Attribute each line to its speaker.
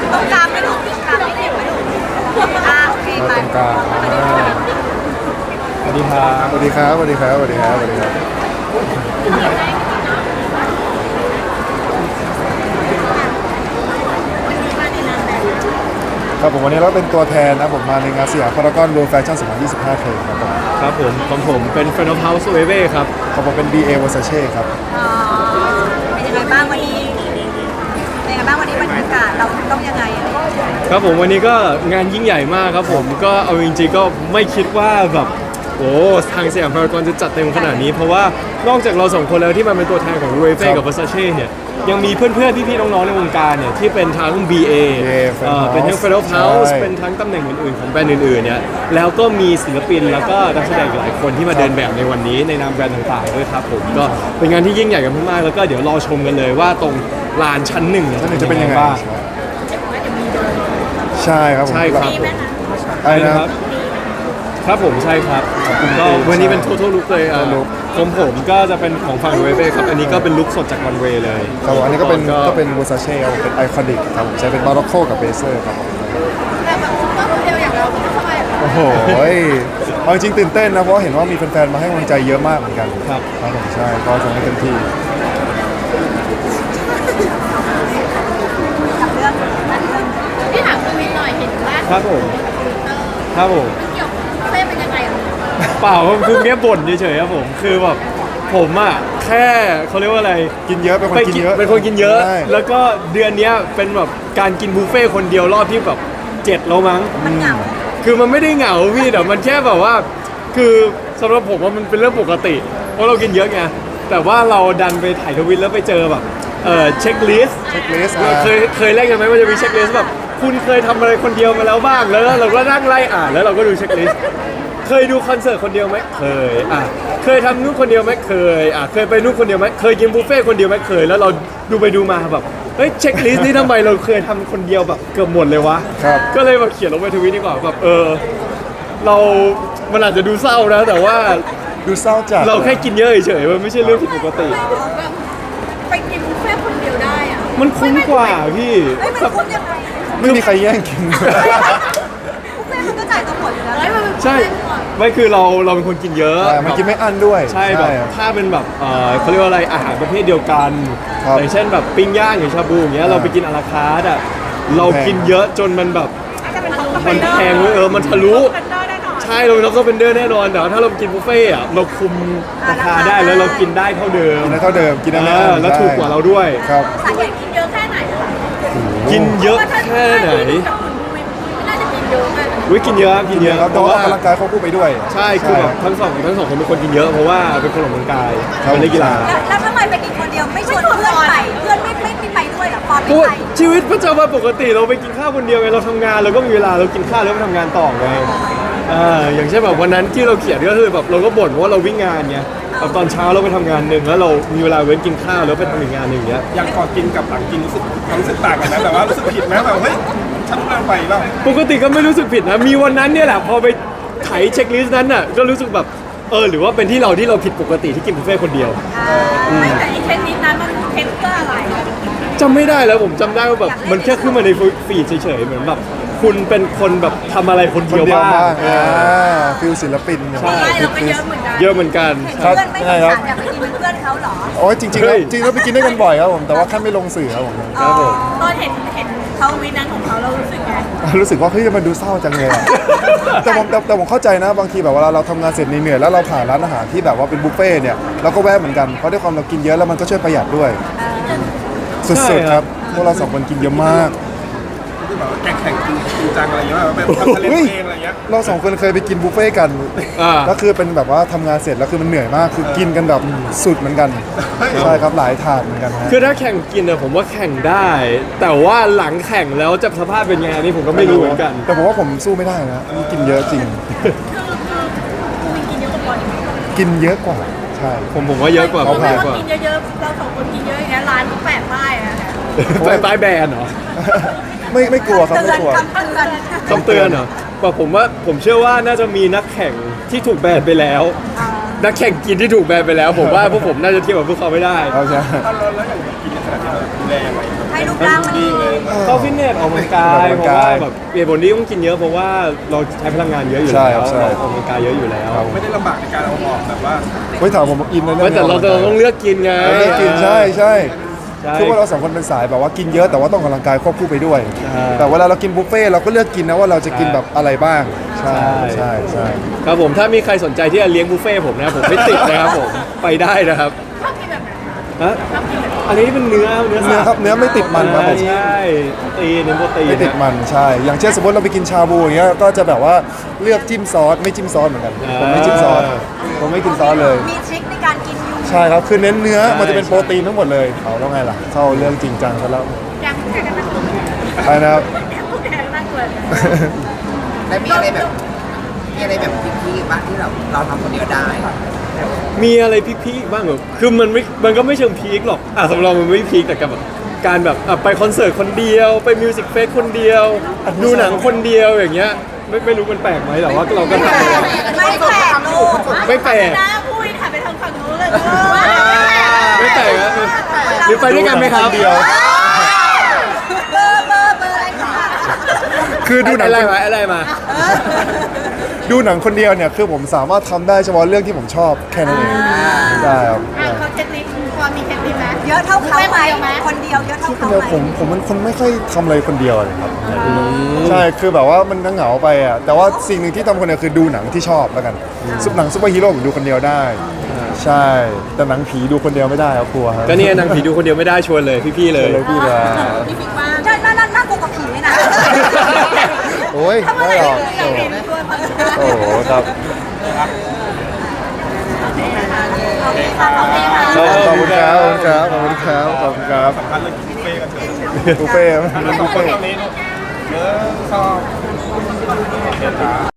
Speaker 1: ตรงกลางไม่ถูกตรงกลางไม่เก็บไม่ถูกโอเคไป
Speaker 2: ตรงกลาง
Speaker 3: สวัสดีครับ
Speaker 2: สวัสดีครับสวัสดีครับสวัสดีครับสวัสดีครับครับผมวันนี้เราเป็นตัวแทนนะผมมาในงานสยามพารากอน World Fashion 2025 เทรนครับผม
Speaker 3: ครับผมของผมเป็น Friend of House Wave ครับ
Speaker 2: ของผมเป็น BA Versace ครับ
Speaker 1: เป็นยังไงบ้างวันนี้เป็นยังไงบ้างวันนี้บรรยากาศเราต้องยังไง
Speaker 3: ครับผมวันนี้ก็งานยิ่งใหญ่มากครับผมก็เอาจริงๆก็ไม่คิดว่าแบบโอ้ทางสยามพารากอนจะจัดเต็มขนาดนี้เพราะว่านอกจากเราสองคนแล้วที่มาเป็นตัวแทนของ Wave กับ Versace เนี่ยยังมีเพื่อนๆพี่ๆน้องๆในวงการเนี่ยที่เป็นทั้ง BA เป็นทั้ง Friend of House เป็นทั้งตำแหน่งอื่นๆของแบรนด์อื่นๆเนี่ยแล้วก็มีศิลปินแล้วก็นักแสดงหลายคนที่มาเดินแบบในวันนี้ในนามแบรนด์ต่างๆด้วยครับผมก็เป็นงานที่ยิ่งใหญ่กันมากๆแล้วก็เดี๋ยวรอชมกันเลยว่าตรงลานชั้นหนึ่ง
Speaker 2: จะเป็นยังไง
Speaker 3: บ้าง
Speaker 2: ใช่ครับผม
Speaker 3: ใช่ครับ
Speaker 2: อะไรนะครับ
Speaker 3: ครับผมใช่ครับก็วันนี้เป็น total look เลยของผมก็จะเป็นของฝั่งเวเบ้ครับอันนี้ก็เป็นลุคสดจากวันเวเลย
Speaker 2: ครับอันนี้ก็เป็น Versace เป็นไอคอนิกครับผมใช้เป็นบาร็อกโคกับเบเซอร์ครับผม
Speaker 1: แต่แบบซุปเปอร์โมเดลอย่างเราไม่ทำไม
Speaker 2: โอ้โหเอาจริงตื่นเต้นนะเพราะเห็นว่ามีแฟนๆมาให้กำลังใจเยอะมากเหมือนกัน
Speaker 3: ครับ
Speaker 2: ผมใช่ก็จะให้เต็มที่
Speaker 1: ที่ถามคุณวินหน่อยเห็นว่า
Speaker 3: ครับผมครับผม
Speaker 1: เกี่ยวกับเฟ่เป็นยังไง
Speaker 3: เปล่าคือแค่บ่นเฉยๆครับผมคือแบบผมอ่ะแค่เขาเรียกว่าอะไร
Speaker 2: กินเยอะเป็นคนกินเยอะ
Speaker 3: เป็นคนกินเยอะแล้วก็เดือนนี้เป็นแบบการกินบุฟเฟ่คนเดียวรอบที่แบบ7แล้วมั้ง
Speaker 1: มันเหงา
Speaker 3: คือมันไม่ได้เหงาพี่แต่มันแค่แบบว่าคือสำหรับผมว่ามันเป็นเรื่องปกติเพราะเรากินเยอะไงแต่ว่าเราดันไปถ่ายทวิตแล้วไปเจอแบบเช็คลิสต์เคยเล่นกันไหมมันจะมีเช็คลิสต์แบบคุณเคยทำอะไรคนเดียวมาแล้วบ้างแล้วเราก็นั่งไล่อ่านแล้วเราก็ดูเช็คลิสต์เคยดูคอนเสิร์ตคนเดียวไหมเคยเคยทำนู่นคนเดียวไหมเคยเคยไปนู่นคนเดียวไหมเคยกินบุฟเฟ่คนเดียวไหมเคยแล้วเราดูไปดูมาแบบเฮ้ยเช็คลิสต์นี้ทำไมเราเคยทำคนเดียวแบบเกือบหมดเลยวะก็เลยแบบเขียนลงไปทวิตดีกว่าแบบเรามันอาจจะดูเศร้านะแต่ว่า
Speaker 2: ดูเศร้าจัด
Speaker 3: เราแค่กินเยอะเฉยๆมันไม่ใช่เรื่องผิดปกติ
Speaker 1: ไปกินบุฟเฟ่คนเดียวได้อะ
Speaker 3: มันคุ้มกว่าพี่
Speaker 1: มันคุ้มยังไง
Speaker 2: ไม่มีใครแย่งกิน
Speaker 1: บุฟเฟ่มันก็จ่ายตัวหมดอยู่แล้ว
Speaker 3: ใช่ไม่คือเราเป็นคนกินเยอะ
Speaker 2: มันกินไม่อั้นด้วย
Speaker 3: ใช่แบบถ้าเป็นแบบเขาเรียกว่าอะไรอาหารประเภทเดียวกันอย่างเช่นแบบปิ้งย่างอย่างชาบูอย่างเงี้ยเราไปกินอาราคาร์ทเรากินเยอะจนมันแบบมันแพงเลยมันทะลุใช่เราเป็นล็อกเกอร์เป็นเดอร์แน่นอนแต่ถ้าเรากินบุฟเฟ่อะเราคุมราคาได้แล้วเรากินได้เท่าเดิม
Speaker 2: กินได้เท่าเดิมกินได้
Speaker 3: แล้วถูกกว่าเราด้วย
Speaker 2: ครับ
Speaker 1: สาเหตุกินเยอะแค่ไหน
Speaker 3: กินเยอะแค่ไหน
Speaker 1: น่าจะกินเยอะมาก
Speaker 3: กินเยอะกินเยอะ
Speaker 2: แต่ว่าออกกำลังกายเขาพูดไปด้วย
Speaker 3: ใช่คือแบบทั้งสองคนเป็นคนกินเยอะเพราะว่าเป็นคนออกกำลังกายเป็นนักกีฬา
Speaker 1: แล้วทำไมไปกินคนเดียวไม่ชวนเพื่อนไปเพื่อนไม่ไปด้วยหรอพอไม่ไป
Speaker 3: ชีวิตประจำวันปกติเราไปกินข้าวคนเดียวไงเราทำงานเราก็มีเวลาเรากินข้าวแล้วไปทำงานต่อไงอย่างเช่นแบบวันนั้นที่เราเขียนก็คือแบบเราก็บ่นเพราะว่าเราวิ่งงานไงตอนเช้าเราไปทำงานหนึ่งแล้วเรามีเวลาเว้นกินข้าวแล้วไปทำอีกงานหนึ่งเงี้ย
Speaker 4: อย่างก่อนกินกับหลังกินรู้สึกต่างกันนะแต่ว่ารู้สึกผิดไหมแบบเฮ้ยฉันเกินไปบ้าง
Speaker 3: ปกติก็ไม่รู้สึกผิดนะมีวันนั้นเนี่ยแหละพอไปไถเช็คลิสต์นั้นน่ะก็รู้สึกแบบหรือว่าเป็นที่เราผิดปกติที่กินบุฟเฟ่คนเดียว
Speaker 1: ไม่แต่ไอ้เทนนิสนั้นมันเทนเพื่ออะไร
Speaker 3: จำไม่ได้แล้วผมจำได้ว่าแบบมันแค่ขึ้นมาในฟีดเฉยๆเหมือนแบบคุณเป็นคนแบบทำอะไรคนเดียวบ้าง
Speaker 2: ฟิลศิลปิน
Speaker 1: ใช่เราก็เยอะเหมือนกัน
Speaker 3: เยอะเหมือนกัน
Speaker 1: เพื่อนไม่สงสารอยากไปกินเป็นเพื่อนเขาหรอ
Speaker 2: โอ้ยจริงแล้วไปกินได้กันบ่อยครับผมแต่ว่าแค่ไม่ลงสื่อครับผม
Speaker 1: ตอนเห็นเขาวินั้นของเขาเรารู้สึกไง
Speaker 2: รู้สึกว่าเฮ้ยมันดูเศร้าจังเลยแต่ผมเข้าใจนะบางทีแบบเวลาเราทำงานเสร็จเหนื่อยแล้วเราผ่านร้านอาหารที่แบบว่าเป็นบุฟเฟ่เนี่ยเราก็แวะเหมือนกันเพราะด้วยความเรากินเยอะแล้วมันก็ช่วยประหยัดด้วยสุดๆครับพวกเรา2คนกินเยอะมาก
Speaker 4: ที่แบบแข่งจริงจังอะไรอย่างเงี้ยแบบทำทะเลเองอะไรเงี้ย
Speaker 2: เรา2คนเคยไปกินบุฟเฟ่กันแล้วคือเป็นแบบว่าทำงานเสร็จแล้วคือมันเหนื่อยมากคือกินกันแบบสุดเหมือนกันใช่ครับหลายถาดเหมือนกัน
Speaker 3: คือถ้าแข่งกินเนี่ยผมว่าแข่งได้แต่ว่าหลังแข่งแล้วจะสภาพเป็นไงนี่ผมก็ไม่รู้เหมือนกัน
Speaker 2: แต่ผมว่าผมสู้ไม่ได้นะกินเยอะจริงกินเยอะกว่าใช่
Speaker 3: ผมว่าเยอะกว่า
Speaker 1: เขาพากว่ากินเยอะๆเรา2คนกินเยอะอย่างเงี้ยร้านก็แปะป้ายอะ
Speaker 3: ป้ายแบนเหรอ
Speaker 2: ไม่กลัวครับไม่กลัว
Speaker 3: คำเตือนเหรอแต่ผมเชื่อว่าน่าจะมีนักแข่งที่ถูกแบนไปแล้วนักแข่งกินที่ถูกแบนไปแล้วผมว่าพวกผมน่าจะเทียบกับพวกเขาไม่ได้
Speaker 2: ใช่
Speaker 4: แล้วอย่างกินขนาดนี้ดูแลยังไง
Speaker 1: ให้ให้รูปร่างมันดี
Speaker 3: เข้าฟิตเนสออกกำลังกาย
Speaker 2: ออก
Speaker 3: เพ
Speaker 2: กำลัง
Speaker 3: ราะ
Speaker 2: กา
Speaker 3: ว่าย แบบเบียร์บนนี้ต้องกินเยอะเพราะว่าเราใช้พลังงานเยอะอยู่
Speaker 2: ใช่
Speaker 3: แล้ว
Speaker 2: ครับใช่
Speaker 3: เราออกกำลังกายเยอะอยู่แล้ว
Speaker 4: ไม่ได้ลำบากในการเอาออกแบบว่า
Speaker 2: เฮ้ยถามผมอินในเรื่
Speaker 3: ไม่
Speaker 2: อง
Speaker 3: แต่เราต้องเลือกกินไง
Speaker 2: เราเลือกกินใช่ใช่
Speaker 3: ใช่
Speaker 2: คือว่าเราสองคนเป็นสายแบบว่ากินเยอะแต่ว่าต้องออกกำลังกายควบคู่ไปด้วย
Speaker 3: ใช่
Speaker 2: แต่เวลาเรากินบุฟเฟ่ต์เราก็เลือกกินนะว่าเราจะกินแบบอะไรบ้างใช่ใช่ใช่
Speaker 3: ครับผมถ้ามีใครสนใจที่จะเลี้ยงบุฟเฟ่ต์ผมนะผมไม่ติดนะครับผมไปได้นะครับฮะอันนี้เป็นเนื้อ
Speaker 2: เนื้อครับเนื้อไม่ติดมันครับผม
Speaker 3: ใช่โปรตีนเนื้อโปรตีน
Speaker 2: ไม่ติดมันใช่ อย่างเช่นสมมติเราไปกินชาบูอย่างเงี้ยก็จะแบบว่าเลือกจิ้มซอสไม่จิ้มซอสเหมือนกันผมไม่จิ้มซอสผมไม่กินซอสเลย
Speaker 1: มีทริคในการกินอยู่
Speaker 2: ใช่ครับคือเน้นเนื้อมันจะเป็นโปรตีนทั้งหมดเลยเอาแล้วไงล่ะเข้าเรื่องจริงจังซะแล้ว
Speaker 1: อย่างผู้แข่งกันนั่งตัว
Speaker 2: ใช่นะครับ
Speaker 1: ผู้แข่งกันนั่งตัว
Speaker 5: แล้วมีอะไรแบบพีคๆบ้างที่เราทำคนเดียวได้
Speaker 3: มีอะไรพีคๆบ้างเหรอคือมันก็ไม่เชิงพีคหรอกสำหรับเรามันไม่พีคแต่กับแบบการแบบไปคอนเสิร์ตคนเดียวไปมิวสิกเฟสคนเดียว ดูหนังคนเดียวอย่างเงี้ยไม่รู้มันแปลกไหมแต่ว่าเราก็ทำเลย
Speaker 1: ไม่แปลกลูก
Speaker 3: ไม่แปลก
Speaker 1: หน้าพูดถ่ายไปทางฝั่งนู้นเลย
Speaker 3: ไม่แปลกนะหรือไปด้วยกันไหมครับ
Speaker 2: เดียว
Speaker 1: เบอร์อะไรคะ
Speaker 2: คือดูหนัง
Speaker 3: อะไรมาอะไรมา
Speaker 2: ดูหนังคนเดียวเนี่ยคือผมสามารถทำได้เฉพาะเรื่องที่ผมชอบแค่นั้นเองได้ครับ
Speaker 1: เขาเทคนิคพอมีเทคนิคไหมเยอะเท่าเขาไหมคนเดียวเยอะเท่าเขา
Speaker 2: เดี๋ยว
Speaker 1: ไหม
Speaker 2: ผมเป็นคนไม่ค่อยทำอะไรคนเดียวเลยครับใช่คือแบบว่ามันก็เหงาไปอ่ะแต่ว่าสิ่งหนึ่งที่ทำคนเดียวคือดูหนังที่ชอบแล้วกันหนังซุปเปอร์ฮีโร่ผมดูคนเดียวได้ ใช่แต่หนังผีดูคนเดียวไม่ได้ครับกลัวครับ
Speaker 3: ก็เนี่ยนางผีดูคนเดียวไม่ได้ชวนเลยพี่ๆเลย
Speaker 2: เลยพี่ละ
Speaker 1: พี่ฟิกว่าน่ากลัวกับผีเลยนะ
Speaker 2: โอ้ยไม่หรอกโอ้โหโอ้โหครับ
Speaker 1: โอเคค่ะโอเคค่ะ
Speaker 2: ขอบคุณครับขอบคุณครับขอบคุณครับ
Speaker 4: อันเลยกินบุฟเฟ่ต์กันเถอะ
Speaker 2: บุฟเฟ่ต์บุฟเฟ่ต์
Speaker 4: ตรงนี้เนื้อชอบ